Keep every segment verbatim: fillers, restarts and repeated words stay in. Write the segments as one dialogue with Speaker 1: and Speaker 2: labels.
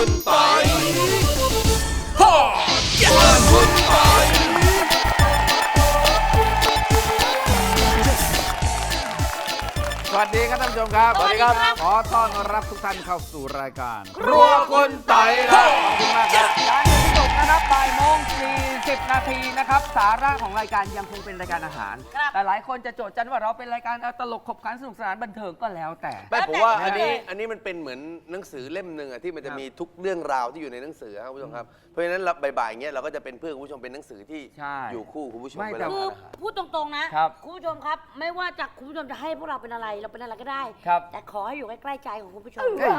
Speaker 1: คุณปอยฮ่าครัวคุณปอยสวัสดีครับท่านผู้ชมครับ
Speaker 2: สวัสดีครับ
Speaker 1: ขอต้อนรับทุกท่านเข้าสู่รายการ
Speaker 2: ครัวคุณปอยครับ
Speaker 1: ขอบคุณมากครับ
Speaker 3: ร้านที่จบนะครับบ่ายโมงสี่สิบนาทีนะครับสาระของรายการยังคงเป็นรายการอาหาร
Speaker 2: ครับ
Speaker 3: แต่หลายคนจะโจทย์จันว่าเราเป็นรายการตลกขบขันสนุกสนานบันเทิงก็แล้วแต่
Speaker 4: ไม่ผมว่าอันนี้
Speaker 2: แล้วแต่
Speaker 4: อันนี้มันเป็นเหมือนหนังสือเล่มหนึ่งอะที่มันจะ
Speaker 3: ครับ
Speaker 4: มีทุกเรื่องราวที่อยู่ในหนังสือครับคุณผู้ชมครับเพราะฉะนั้นเราบ่ายๆอย่างเงี้ยเราก็จะเป็นเพื่อนคุณผู้ชมเป็นหนังสือที่
Speaker 3: ใช่
Speaker 4: อยู่คู่คุณผู้ชม
Speaker 3: ไม่
Speaker 4: เว
Speaker 3: แต่
Speaker 4: ลา
Speaker 2: คือ
Speaker 4: ทานอาหาร
Speaker 2: พูดตรงๆนะครับ คุณผู้ชมครับ ไม่ว่าจะคุณผู้ชมจะให้พวกเราเป็นอะไรเราเป็นอะไรก็ได้
Speaker 3: ครับ
Speaker 2: แต่ขอให้อยู่ใกล้ๆใจของคุณผู้ชม
Speaker 3: จริง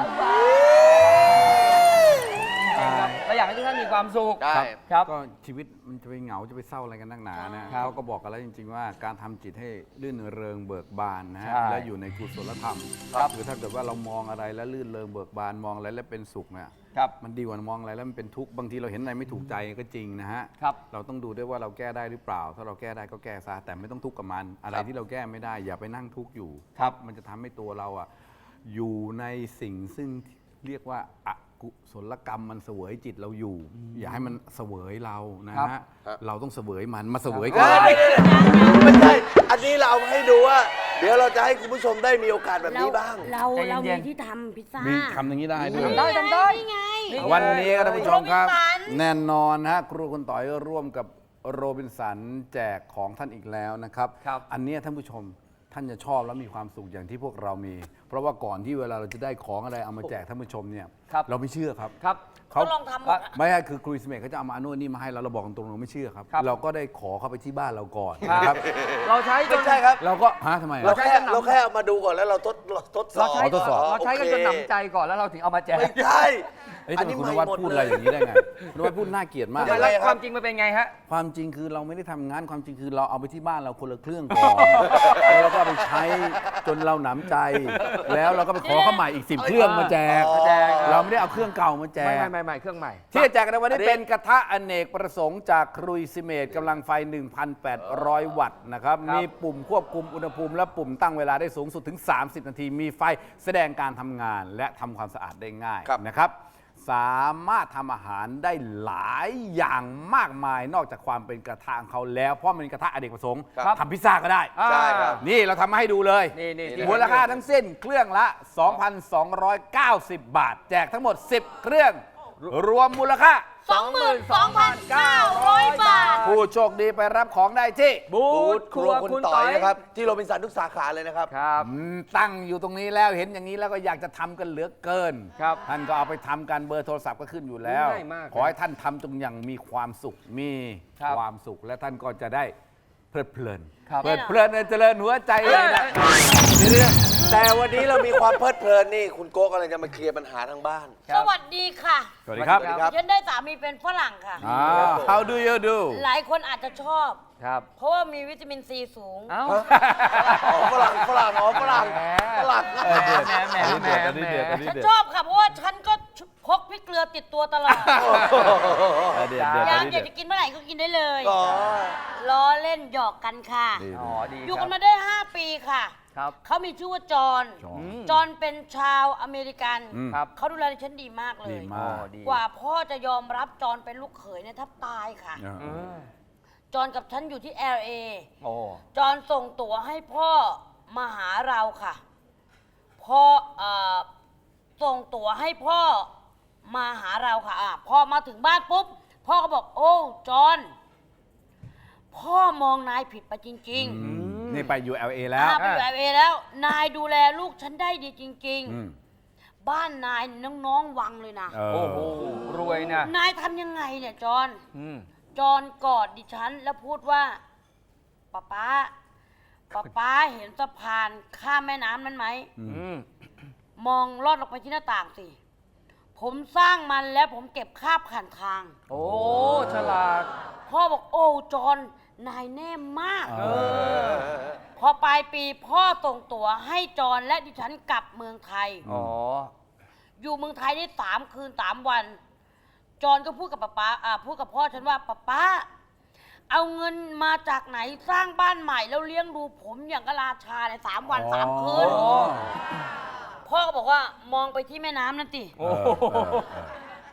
Speaker 3: ครับเราอยากให้ทุกท่านมีความสุข
Speaker 4: ได้
Speaker 3: ครับ
Speaker 1: ก็ชีวิตมันจะไปเหงาจะไปเศร้าอะไรกันนักหนานะครับ เขาก็บอกกันแล้วจริง ๆ ว่าการทำจิตให้ลื่นเริงเบิกบานนะฮะ
Speaker 3: ใช่
Speaker 1: และอยู่ในกุศลธรรม
Speaker 3: ครับ
Speaker 1: คือถ้าเกิดว่าเรามองอะไรแล้วลื่นเริงเบิกบานมองอะไรแล้วเป็นสุขเนี่ย
Speaker 3: ครับ
Speaker 1: มันดีกว่ามองอะไรแล้วมันเป็นทุกข์บางทีเราเห็นอะไรไม่ถูกใจก็จริงนะฮะ
Speaker 3: ครับ
Speaker 1: เราต้องดูด้วยว่าเราแก้ได้หรือเปล่า ถ้าเราแก้ได้ก็แก้ซะแต่ไม่ต้องทุกข์กับมัน อะไรที่เราแก้ไม่ได้อย่าไปนั่งทุกข์อยู่
Speaker 3: ครับ
Speaker 1: มันจะทำให้ตัวเราอ่ะอยู่ในสิ่งซึ่งเรียกว่าอกุศลกรรมมันเสวยจิตเราอยู่ อย่าให้มันเสวยเรานะ
Speaker 3: ครั
Speaker 1: ฮะ
Speaker 3: บ
Speaker 1: เราต้องเสวยมันมาเสวย
Speaker 4: เอ้
Speaker 1: กัน
Speaker 4: ยไม่ใช่ อันนี้เราเอามาให้ดูว่า เดี๋ยวเราจะให้คุณผู้ชมได้มีโอกาสแบบนี้บ้าง
Speaker 2: เรา
Speaker 3: ใจเย็นๆ
Speaker 2: เรามีที่ทำพิซซ่า
Speaker 1: มีคำอย่างนี้ได้ด้วย
Speaker 3: ทำได้ทำได้
Speaker 2: นี่ไง
Speaker 3: นี่
Speaker 1: วันนี้ครับท่านผู้ชมครับ
Speaker 2: โรบินสัน
Speaker 1: แน่นอนนะฮะครูคุณต่อยร่วมกับโรบินสันแจกของท่านอีกแล้วนะครับ
Speaker 3: ครับ
Speaker 1: อันเนี้ยท่านผู้ชมท่านจะชอบและมีความสุขอย่างที่พวกเรามี เพราะว่าก่อนที่เวลาเราจะได้ของอะไรเอามาแจกท่านผู้ชมเนี่ย
Speaker 3: ครับ
Speaker 1: เราไม่เชื่อครับ
Speaker 3: ครับ
Speaker 1: เขา
Speaker 2: ก็ลองทำหมดอะ
Speaker 1: ไม่ใช่คือครูสเมกเขาจะเอามาอันนู้นนี่มาให้เราเราบอกตรงๆเราไม่เชื่อครับ
Speaker 3: ครับ
Speaker 1: เราก็ได้ขอเข้าไปที่บ้านเราก่อน
Speaker 3: ครับ
Speaker 1: นะครับ
Speaker 3: เราใช้จ
Speaker 4: ไม่
Speaker 3: น
Speaker 4: ใช่ครับ
Speaker 1: เราก็ฮะทำไม
Speaker 4: เรา
Speaker 1: อะ
Speaker 4: แค่เราแค่เอามาดูก่อนแล้วเราทดทดสอ
Speaker 3: เรา
Speaker 4: บ
Speaker 3: ใช้
Speaker 1: ทดสอบ
Speaker 3: เราใช้กันจนหนำใจก่อนแล้วเราถึงเอามาแจก
Speaker 4: ไม่ใช่
Speaker 1: เอ้ย
Speaker 4: อั
Speaker 1: ทำ
Speaker 4: น
Speaker 1: ไม
Speaker 4: นี้
Speaker 1: คุณ
Speaker 4: ไม่
Speaker 1: นวัด
Speaker 4: หมด
Speaker 1: พูด
Speaker 4: เล
Speaker 1: อะไร
Speaker 4: ย
Speaker 1: อย่างนี้ได้ไงคุณนวัดพูดน่าเกลียดมาก
Speaker 4: ยังไง
Speaker 3: แล้ว
Speaker 4: ครับ
Speaker 3: ความจริงมันเป็นไงฮะ
Speaker 1: ความจริงคือเราไม่ได้ทำงานความจริงคือเราเอาไปที่บ้านเราคนละเครื่องก่อน แล้วเราก็เอาไปใช้จนเราหนำใจ แล้วเราก็ไปขอเข้าใหม่อีกสิบเครื่องมาแจก
Speaker 3: มาแจก
Speaker 1: เราไม่ได้เอาเครื่องเก่ามาแจ
Speaker 3: ไม่
Speaker 1: ก
Speaker 3: ไม่ไม่ไม่เครื่องใหม่
Speaker 1: ที่จะแจกในวันนี้เป็นกระทะอเนกประสงค์จากครุยซิเมตกำลังไฟ หนึ่งพันแปดร้อย วัตต์นะครับ
Speaker 3: ครับ
Speaker 1: มีปุ่มควบคุมอุณหภูมิและปุ่มตั้งเวลาได้สูงสุดถึง สามสิบ นาที มีไฟแสดงการทำงานและทำความสะอาดได้ง่าย
Speaker 4: ครับ
Speaker 1: นะครับ สามารถทำอาหารได้หลายอย่างมากมายนอกจากความเป็นกระทะของเขาแล้ว เพราะมันเป็นกระทะอเนกประสงค์
Speaker 3: ครับ
Speaker 1: ทำพิซซ่าก็ได้
Speaker 4: ใช่ครับ
Speaker 1: นี่เราทำมาให้ดูเลย
Speaker 3: นี่นี่
Speaker 4: นี่
Speaker 1: มูลค่าทั้งสิ้นเครื่องละ สองพันสองร้อยเก้าสิบ บาท แจกทั้งหมด สิบ เครื่อง รวมมูลค่า
Speaker 2: สองหมื่นสองพันเก้าร้อยบาท
Speaker 1: ผู้โชคดีไปรับของได้ที่
Speaker 3: บู
Speaker 4: บู
Speaker 3: ธ
Speaker 4: ธ
Speaker 3: ค
Speaker 4: ค
Speaker 3: รั
Speaker 4: รั
Speaker 3: ว
Speaker 4: ว
Speaker 3: คุ
Speaker 4: คุณ ณ
Speaker 3: ต่
Speaker 4: ต่
Speaker 3: อ
Speaker 4: อย ยนะครับ ที่โรบินสันทุกสาขาเลยนะครับ
Speaker 3: ครับ
Speaker 1: อืมตั้งอยู่ตรงนี้แล้วเห็นอย่างนี้แล้วก็อยากจะทำกันเหลือเกิน
Speaker 3: ครับ
Speaker 1: ท่านก็เอาไปทำกันเบอร์โทรศัพท์ก็ขึ้นอยู่แล้ว
Speaker 3: ง่ายมาก
Speaker 1: ขอให้ท่านทำจงอย่างมีความสุขมี
Speaker 3: ครับ
Speaker 1: ความสุขและท่านก็จะได้เพลิดเพลิน
Speaker 3: ครับ
Speaker 1: เพลิดเพลินเจริญหัวใจเลยนะ
Speaker 4: แต่วันนี้เรามีความเพลิดเพลินนี่คุณโก้กำลังจะมาเคลียร์ปัญหาทางบ้าน
Speaker 2: สวัสดีค่ะ
Speaker 1: สวัสดีครับ
Speaker 4: สวัสดีครับ
Speaker 2: ฉันได้สามีเป็นฝรั่งค่ะ
Speaker 1: อ่า how do you do
Speaker 2: หลายคนอาจจะชอบ
Speaker 3: ครับ
Speaker 2: เพราะว่ามีวิตามินซีสูง
Speaker 3: เอ้า
Speaker 4: อ๋อฝรั่งฝรั่งอ๋อฝรั่ง
Speaker 3: แหม
Speaker 4: ฝรั่ง
Speaker 3: แหมแหมแหมแหม
Speaker 1: อันนี้เดือดอันนี้
Speaker 2: ฉัน
Speaker 1: เดือด
Speaker 2: ชอบค่ะ เพราะว่าฉันก็พกพริกเกลือติดตัวตลอด
Speaker 1: อันนี้เดือด
Speaker 2: อ
Speaker 1: อั
Speaker 2: ยาน ก
Speaker 1: นี้
Speaker 2: อ
Speaker 1: เดื
Speaker 2: ยา
Speaker 1: อก ด
Speaker 2: จะกินเมื่อไหร่ก็กินได้เลย
Speaker 4: อ๋อ
Speaker 2: ล้อเล่นหยอกกันค่ะ
Speaker 1: ดี
Speaker 3: อ๋อดี
Speaker 2: อยู่
Speaker 3: ค
Speaker 2: กั
Speaker 3: รั
Speaker 2: น
Speaker 3: บ
Speaker 2: มาได้ ห้า ปีค่ะ
Speaker 3: ครับ
Speaker 2: เขามีชื่อว่าจอห์น
Speaker 1: จอห์น
Speaker 2: จอห์นเป็นชาวอเมริกัน
Speaker 1: อืม
Speaker 3: ครับ
Speaker 2: เขาดูแลฉันดีมากเล
Speaker 1: ดี
Speaker 2: ย
Speaker 1: มาก
Speaker 3: ดี
Speaker 2: กว่าพ่อจะยอมรับจอห์นเป็นลูกเขยเนี่ยแทบตายค่ะ
Speaker 1: อ่า
Speaker 3: อืม
Speaker 2: จอห์นกับฉันอยู่ที่ แอล เอ
Speaker 3: โอ้
Speaker 2: จอห์นส่งตั๋วให้พ่อมาหาเราค่ะพ่อเอ่อส่งตั๋วให้พ่อมาหาเราค่ะอ่ะพอมาถึงบ้านปุ๊บ พ่อก็บอกโอ้จอห์นพ่อมองนายผิดไปจริง
Speaker 1: อืมนี่ไปอยู่ แอล เอ
Speaker 2: ๆ
Speaker 1: แล้ว
Speaker 2: อ่ะไปอยู่ แอล เอ แล้ว นายดูแลลูกฉันได้ดีจริง
Speaker 1: อืม
Speaker 2: ๆ บ้านนายน้องๆวังเลยนะ
Speaker 1: เอ
Speaker 3: โอ้
Speaker 1: อ
Speaker 3: โหรวยนะ
Speaker 2: นายทำยังไงเนี่ยจอห์น
Speaker 3: อืม
Speaker 2: จอห์นกอดดิฉันแล้วพูดว่าป๊าป๊าป๊าป๊าเห็นสะพานข้ามแม่น้ำนั้นไหม
Speaker 3: อืม
Speaker 2: มองลอดลงไปที่หน้าต่างสิ ผมสร้างมันแล้วผมเก็บคาบผ่านทาง
Speaker 3: โอ้ฉลาด
Speaker 2: พ่อบอกโอ้จอห์นนายแน่มาก
Speaker 1: เออ
Speaker 2: พอปลายปีพ่อส่งตั๋วให้จอห์นและดิฉันกลับเมืองไทย
Speaker 3: อ๋อ
Speaker 2: อยู่เมืองไทยได้สามคืนสามวัน จอห์นก็พูดกับป๊าป๊าอ่าพูดกับพ่อฉันว่าป๊าป๊าเอาเงินมาจากไหนสร้างบ้านใหม่แล้วเลี้ยงดูผมอย่างกบราชาในสามวันสามคืน
Speaker 1: อ๋อ
Speaker 2: พ่อก็บอกว่ามองไปที่แม่น้ำนั่นสิ
Speaker 3: โอ้
Speaker 1: เออเออเออ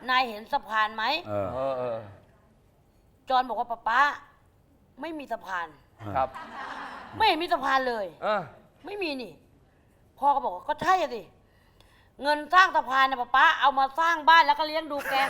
Speaker 2: นายเห็นสะพานไหม
Speaker 1: เออ
Speaker 3: เออเออ
Speaker 2: จอนบอกว่าป๊าป๊าไม่มีสะพาน
Speaker 3: ครับ
Speaker 2: ไม่เห็นมีสะพานเลย
Speaker 3: เออ
Speaker 2: ไม่มีนี่ พ่อก็บอกว่าก็ใช่อะสิเงินสร้างสะพานเนี่ยป๊าป๊าเอามาสร้างบ้านแล้วก็เลี้ยงดูแก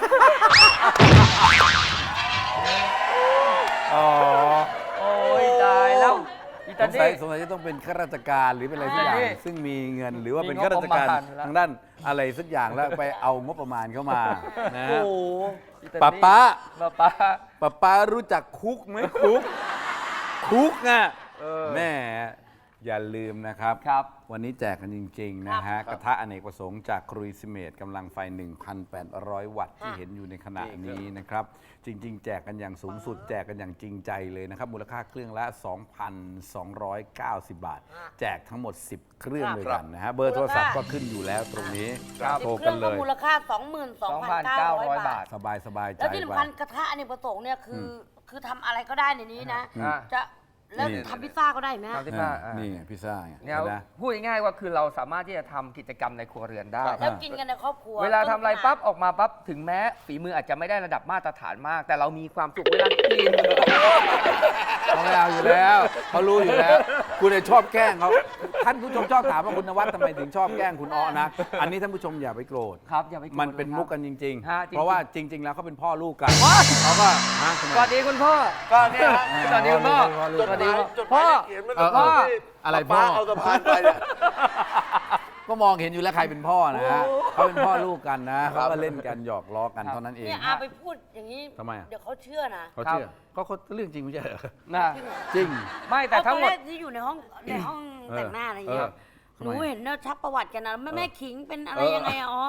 Speaker 1: อ๋อ
Speaker 3: โอ้ยตายแล้วอี
Speaker 1: ส
Speaker 3: ตาง
Speaker 1: สัย
Speaker 3: นี่
Speaker 1: สงสัยจะต้องเป็นข้าราชการหรือเป็นอะไรสักอย่าง
Speaker 3: นี่
Speaker 1: ซึ่งมีเงินหรือว่า
Speaker 3: มี
Speaker 1: เป็น
Speaker 3: งบ
Speaker 1: ข้าราชการ
Speaker 3: ประมาณแล้ว
Speaker 1: ทางด้านอะไรสักอย่างแล้วไปเอางบประมาณเข้ามานะ
Speaker 3: โอ้โหอีตานี่
Speaker 1: ป้าป้า
Speaker 3: ป้าป้า
Speaker 1: ป้าป้ารู้จักคุกไหมคุก คุกอ่ะ
Speaker 3: เออ
Speaker 1: แม่อย่าลืมนะครับ
Speaker 3: ครับ
Speaker 1: วันนี้แจกกันจริง ๆ นะฮะ กระทะอเนกประสงค์จากครุยซิเมตกำลังไฟ หนึ่งพันแปดร้อย วัตต์ที่เห็นอยู่ในขณะนี้นะครับ จริง ๆ แจกกันอย่างสูงสุด แจกกันอย่างจริงใจเลยนะครับ มูลค่าเครื่องละ สองพันสองร้อยเก้าสิบ บาท แจกทั้งหมด สิบ เครื่องเลยกันนะฮะ เบอร์โทรศัพท์ก็ขึ้นอยู่แล้วตรงนี้
Speaker 3: ครับ
Speaker 1: โทร
Speaker 2: เค
Speaker 1: กั
Speaker 2: รื่
Speaker 1: น
Speaker 2: อง
Speaker 1: เล
Speaker 2: ก็
Speaker 1: ย
Speaker 2: มูลค่า สองหมื่นสองพันเก้าร้อย บาท
Speaker 1: สบายสบายใจ
Speaker 2: แล้วที่
Speaker 1: ไป
Speaker 2: สำคัญกระทะอเนกประสงค์เนี่ยคืออคือทำอะไรก็ได้ในนี้นะ
Speaker 3: อ่า
Speaker 2: จะแล้ว
Speaker 1: นี่
Speaker 2: ทำพิซซ่าก็ได้ไหม
Speaker 3: ทำที่
Speaker 1: อ่า
Speaker 3: บ้านอ่ะ
Speaker 1: นี่ไงพิซซ่าไง
Speaker 3: เนี่ย
Speaker 1: นะ
Speaker 3: พูดง่ายๆว่าคือเราสามารถที่จะทำกิจกรรมในครัวเรือนได้
Speaker 2: แล้วกินกันในครอบครัว
Speaker 3: เวลาทำอะไรปั๊บออกมาปั๊บถึงแม้ฝีมืออาจจะไม่ได้ระดับมาตรฐานมาก แต่เรามีความสุขเวลากิน
Speaker 1: เขาไม่เอาอยู่แล้วเขารู้อยู่แล้ว คุณเลยชอบแกล้งเขาท่านผู้ชมชอบถามว่าคุณนวัดทำไมถึงชอบแกล้งคุณอ้อนะ อันนี้ท่านผู้ชมอย่าไปโกรธ
Speaker 3: ครับอย่าไปโกรธ
Speaker 1: มันเป็น
Speaker 3: เลยครับ
Speaker 1: มุกกันจริง
Speaker 3: ฮะ
Speaker 1: ๆ
Speaker 3: จริงๆ
Speaker 1: เพราะว่าจริง ๆ แล้วเขาเป็นพ่อลูกกันเขาก็ฮะทำไม
Speaker 3: สวัสดีคุณพ่อ
Speaker 4: ก็เนี่ยฮะ
Speaker 3: สวัสดีคุณพ่อ
Speaker 1: จ
Speaker 4: จ
Speaker 1: ด
Speaker 4: ด
Speaker 1: ห
Speaker 4: ห
Speaker 1: มาย
Speaker 4: มายจดห
Speaker 3: พ่
Speaker 4: มา
Speaker 3: อ
Speaker 4: ยเขียนมัน
Speaker 1: เออ
Speaker 3: พ่อ
Speaker 1: อะไรพ่
Speaker 4: ป้า
Speaker 1: อ
Speaker 4: เอาสะพานไปเนี่ย
Speaker 1: ก็มองเห็นอยู่แล้วใครเป็นพ่อนะฮะเขาเป็นพ่อลูกกันนะเขาก็เล่นกันหยอกล้อกันเท่านั้นเอง
Speaker 2: เนี่ยอาไปพูดอย่างนี้
Speaker 1: ทำไมอะ
Speaker 2: เดี๋ยวเขาเชื่อนะ
Speaker 1: เขาเชื่อเขาเขาเรื่องจริงไม่ใช่เหรอ
Speaker 3: นะ
Speaker 1: จริง
Speaker 3: ไม่แต่ทั้งหมด
Speaker 2: เอาตอนแรกที่อยู่ในห้องในห้องแต่งหน้าอะไรอย่างเงี้ย
Speaker 1: เออ
Speaker 2: หนูเห็นเนี่ยชักประวัติกันนะแม่แม่ขิงเป็นอะไร
Speaker 1: เออ
Speaker 2: ยังไงอะอ๋อ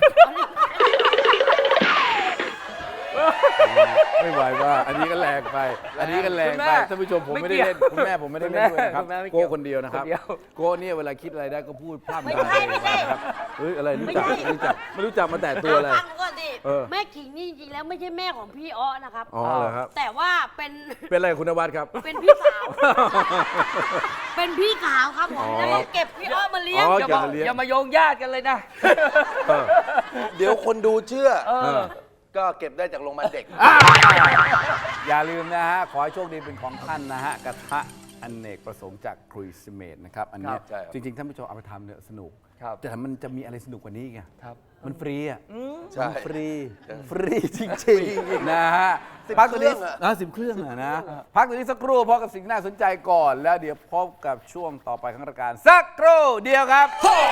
Speaker 1: ไม่ไหวว่าอันนี้ก็แรงไป อันนี้ก็แรง
Speaker 3: คุณ
Speaker 1: ไป
Speaker 3: แม่
Speaker 1: ท่านผู้ชมผม
Speaker 3: ไม่
Speaker 1: ไม่ได้
Speaker 3: เกี่ยว
Speaker 1: เล่นคุณแม่ผมไม่ได้เล่นด้วยนะครับ
Speaker 3: คุณแม่ไม่เกี่
Speaker 1: โก้
Speaker 3: ยว
Speaker 1: คนเดียวนะครับ
Speaker 3: คนเดียว
Speaker 1: โก้เนี่ยเวลาคิดอะไรได้ก็พูดพร่ำ
Speaker 2: ไม่
Speaker 1: ทำ
Speaker 2: ใช่ไม่ใช่
Speaker 1: นะครับเฮ้ยอะไรรู้จัก
Speaker 2: ไม่ใช่
Speaker 1: ไม่รู้จักไม่รู้จักมาแต่ตัวอะไร
Speaker 2: ฟังก่อนดิ
Speaker 1: เออ
Speaker 2: แม่ขิงนี่จริงๆแล้วไม่ใช่แม่ของพี่อ้อนะครับ
Speaker 1: อ๋อเหรอครับ
Speaker 2: แต่ว่าเป็น
Speaker 1: เป็นอะไรคุณนวัดครับ
Speaker 2: เป็นพี่สาว เป็นพี่สาวครับผม
Speaker 1: อ๋อ
Speaker 2: แล้วก็เก็บพี่อ้อมาเลี้ยง
Speaker 1: อ๋อ
Speaker 3: อย่า
Speaker 1: เก็บ
Speaker 3: มา
Speaker 1: มาเลี้ยง
Speaker 3: อย่ามาโยงญาติกันเลยนะ
Speaker 1: เออ
Speaker 4: เดี๋ยวคนดูเชื่อ
Speaker 3: เออ
Speaker 4: ก็เก็บได้จากโรงพยาบาลเด็ก
Speaker 1: อย่าลืมนะฮะขอให้โชคดีเป็นของท่านนะฮะกระทะอเนกประสงค์จากครุยซิเมตนะครับอันเนี้ย
Speaker 4: ครับใช่ครับ
Speaker 1: จริงๆท่านผู้ชมเอาไปทำเนี่ยสนุก
Speaker 3: ครับ
Speaker 1: แต่มันจะมีอะไรสนุกกว่านี้ไง
Speaker 3: ครับ
Speaker 1: มันฟรีอ่ะ
Speaker 4: ใช่
Speaker 1: มันฟรี ฟรีจริงๆ นะฮะ
Speaker 4: สิบ
Speaker 1: พักตัวนี้
Speaker 4: เครื่องอะ
Speaker 1: นะสิบเครื่องอะนะ พักตัวนี้สักครู่พบกับสิ่งน่าสนใจก่อน แล้วเดี๋ยวพบกับช่วงต่อไปของรายการ สักครู่เดียวครับ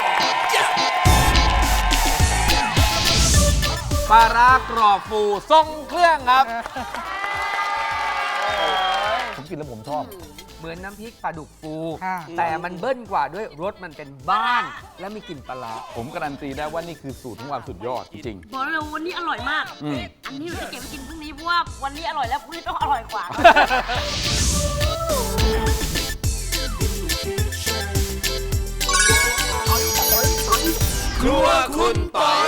Speaker 1: ปลาร้ากรอบฟูทรงเครื่องครับ ผมกินแล้วผมชอบ
Speaker 3: เหมือนน้ำพริกปลาดุกฟู
Speaker 5: ค่ะ
Speaker 3: แต่มันเบิ้ลกว่าด้วยรสมันเป็นบ้าน และมีกลิ่นปลาร้า
Speaker 1: ผมการันตีได้ว่านี่คือสูตรของความสุดยอดจริง
Speaker 2: บอกเลยวันนี้อร่อยมาก
Speaker 1: อืม
Speaker 2: อันนี้เราจะเก็บไว้กินพรุ่งนี้เพราะว่าวันนี้อร่อยแล้วพรุ่งนี้ต้องอร่อยกว่า
Speaker 1: ครัวคุณปอย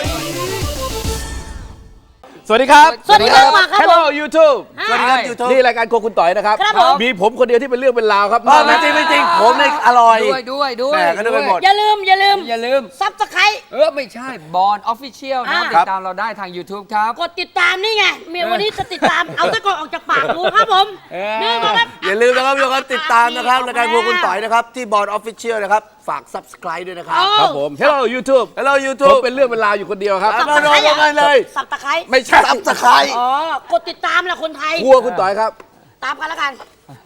Speaker 1: สวัสดีครับ
Speaker 2: สวัสดีครับมาครับ
Speaker 1: Hello YouTube
Speaker 2: สวัสดีครับ
Speaker 1: YouTube นี่รายการโครัวคุณต่อยนะครับ
Speaker 2: ครับผม
Speaker 1: มีผมคนเดียวที่เป็นเรื่องเป็นราวครับ
Speaker 4: ไม่จริงไม่จริงผมเนี่ยอร่อย
Speaker 3: ด้วยด้วยด้วย
Speaker 1: แหม่ก็นึกไปหมด
Speaker 2: อย่าลืม อย่าลืม
Speaker 3: อย่าลืม
Speaker 2: ซับสไครต์
Speaker 3: เออ ไม่ใช่บอลออฟฟิเชียลนะ
Speaker 2: อ่า
Speaker 3: ติดตามเราได้ทาง YouTube ครับ
Speaker 2: กดติดตามนี่ไงเมียวันนี้จะติดตาม เอาตะกอนออกจากปากดูครับผม
Speaker 3: เออ
Speaker 2: นี่มาครับ
Speaker 4: อย่าลืมนะครับทุกคนติดตามนะครับรายการพวกคุณต่อยนะครับ ที่บอร์ดออฟฟิเชียลนะครับ ฝาก Subscribe ด้วยนะครับ
Speaker 1: ครับผม Hello YouTube
Speaker 4: Hello
Speaker 1: ผม
Speaker 4: YouTube
Speaker 1: เป็นเรื่องเป็นราวอยู่คนเดียวครับ
Speaker 4: อ่ะ มาลงกันเลย
Speaker 2: สับตะไคร้
Speaker 1: ไม่ใช่
Speaker 4: Subscribe
Speaker 2: อ๋อ กดติดตามแหละคนไทย
Speaker 1: ครัวคุณต่อยครับ
Speaker 2: ตามกันแล้วกัน